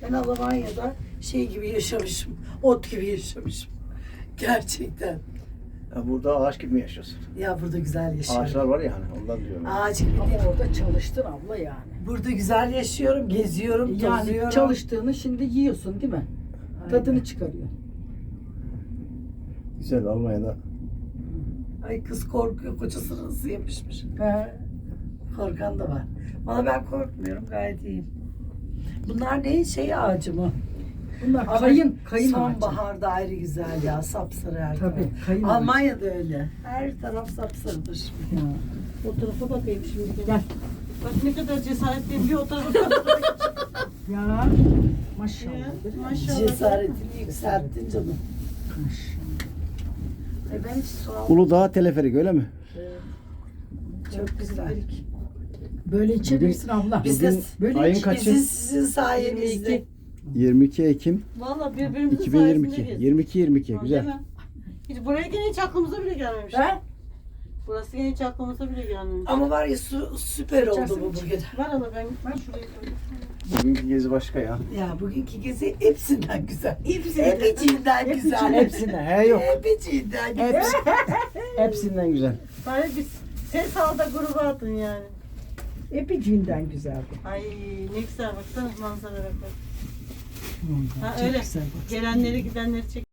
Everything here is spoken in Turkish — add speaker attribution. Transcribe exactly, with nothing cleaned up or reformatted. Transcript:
Speaker 1: Ben Almanya'da şey gibi yaşamışım. Ot gibi yaşamışım. Gerçekten.
Speaker 2: Ya burada ağaç gibi mi yaşıyorsun?
Speaker 1: Ya burada güzel yaşıyorum.
Speaker 2: Ağaçlar var ya hani ondan diyorum.
Speaker 1: Ağaç gibi
Speaker 3: Ama
Speaker 1: değil.
Speaker 3: orada çalıştın abla yani.
Speaker 1: Burada güzel yaşıyorum, geziyorum,
Speaker 3: Yani
Speaker 1: tozuyorum.
Speaker 3: çalıştığını şimdi yiyorsun değil mi? Tadını çıkarıyor.
Speaker 2: Güzel Almanya'da.
Speaker 1: Ay kız korkuyor, kocasına nasıl yapışmış.
Speaker 3: He.
Speaker 1: Korkan da var. Valla ben korkmuyorum, gayet iyiyim. Bunlar ne? Şey ağacı mı?
Speaker 3: Bunlar
Speaker 1: Ama
Speaker 3: kayın, kayın ağacı.
Speaker 1: sonbaharda ayrı güzel ya, sapsarı her
Speaker 3: Tabii,
Speaker 1: taraf.
Speaker 3: kayın ağacı.
Speaker 1: Almanya'da öyle. Her taraf sapsarıdır.
Speaker 3: Ya.
Speaker 4: O tarafa bakayım şimdi.
Speaker 3: Gel.
Speaker 4: Bak ne kadar cesaretliyim bir o tarafa.
Speaker 3: Ya. Maşallah.
Speaker 4: Maşallah.
Speaker 1: Cesaretini yükselttin canım. E ben hiç su almadım.
Speaker 2: Uludağ teleferik öyle mi?
Speaker 1: Çok güzel.
Speaker 3: Böyle içebilirsin abla.
Speaker 1: Biz de
Speaker 3: Böyle
Speaker 2: ayın
Speaker 3: iç.
Speaker 2: kaçı?
Speaker 1: Bizi sizin sayenizde.
Speaker 2: yirmi iki Ekim
Speaker 4: Valla birbirimizin
Speaker 2: iki bin yirmi iki.
Speaker 4: sayesinde gezdik.
Speaker 2: yirmi iki yirmi iki
Speaker 4: Değil
Speaker 2: güzel.
Speaker 4: mi? Hiç buraya gene hiç aklımıza bile gelmemiş.
Speaker 3: He?
Speaker 4: Burası gene hiç aklımıza bile gelmemiş.
Speaker 1: Ama var ya su süper oldu
Speaker 3: İçersin
Speaker 1: bu
Speaker 3: iç.
Speaker 1: bugün.
Speaker 4: Ver hala ben, ben şuraya koyayım.
Speaker 2: Bugünkü gezi başka ya.
Speaker 1: Ya bugünkü gezi hepsinden güzel. Hepsinden güzel.
Speaker 2: Hepsinden. He yok.
Speaker 1: Hepsinden güzel.
Speaker 2: Hepsi, hepsinden güzel.
Speaker 4: Bari biz ses al da gruba atın yani.
Speaker 3: Epiciğinden güzeldi.
Speaker 4: Ay ne güzel baksana manzaralara bak.
Speaker 3: Vallahi
Speaker 4: Ha
Speaker 3: çok
Speaker 4: öyle.
Speaker 3: güzel bak.
Speaker 4: Gelenleri gidenleri çek.